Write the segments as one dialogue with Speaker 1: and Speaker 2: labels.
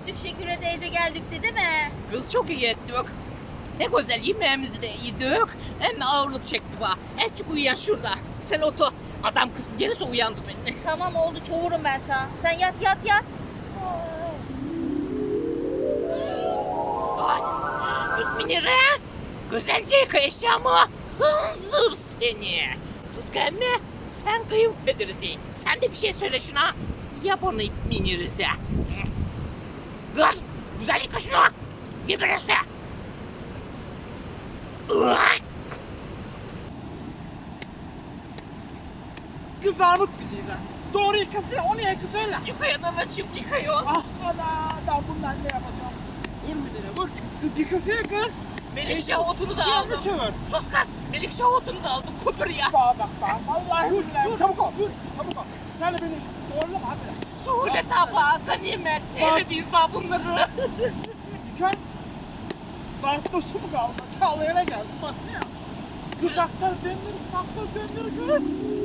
Speaker 1: ettik Şeküre teyze geldik değil mi?
Speaker 2: Kız çok iyi ettik. Ne güzel yemeğimizi de yedik. Hem ağırlık çekti bana. Azıcık uyuyan şurada. Sen otur. Adam kız gelirse uyandı beni.
Speaker 1: Tamam oldu çoğurum ben sana. Sen yat.
Speaker 2: Ay, kız Münire. Güzelce yıka eşyamı. Hınzır seni. Sıtkı emmi. Sen kayınpederisin. Sen de bir şey söyle şuna. Yap onu Münir'se. Kız güzel yıka şunu. Birbirinize.
Speaker 3: Kızarmış bizi de. Doğru yıkasın, o niye kız öyle?
Speaker 2: Yıkayan anacığım yıkıyor.
Speaker 3: Ah ana, ben bundan ne yapacağım? Vur müdüre, vur. Kız yıkasın kız.
Speaker 2: Melikşah otunu da
Speaker 3: Yürü
Speaker 2: aldım.
Speaker 3: çevir.
Speaker 2: Sus kız. Melikşah otunu da aldım. Köpür ya.
Speaker 3: Bak. Vallahi billahi. Çabuk ol, çabuk ol. Sen de beni doğrulama hadi.
Speaker 2: Suhule tabağı, ganimet. Neredeyiz bak bunları?
Speaker 3: Yıkan. Dartta su mu kaldı? Çağlayana geldi, baksana ya. Kız aktar döndür kız.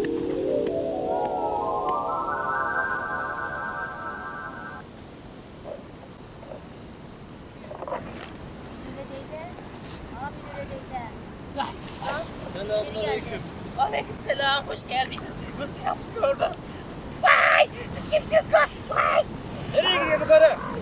Speaker 1: Şeküre teyze. Şeküre teyze.
Speaker 2: Selamünaleyküm. Aleykümselam. Hoş geldiniz. Kız kapısı gördüm. Vay! Siz kimsiniz kız? Vay!
Speaker 3: Nereye gidiyorsun karı?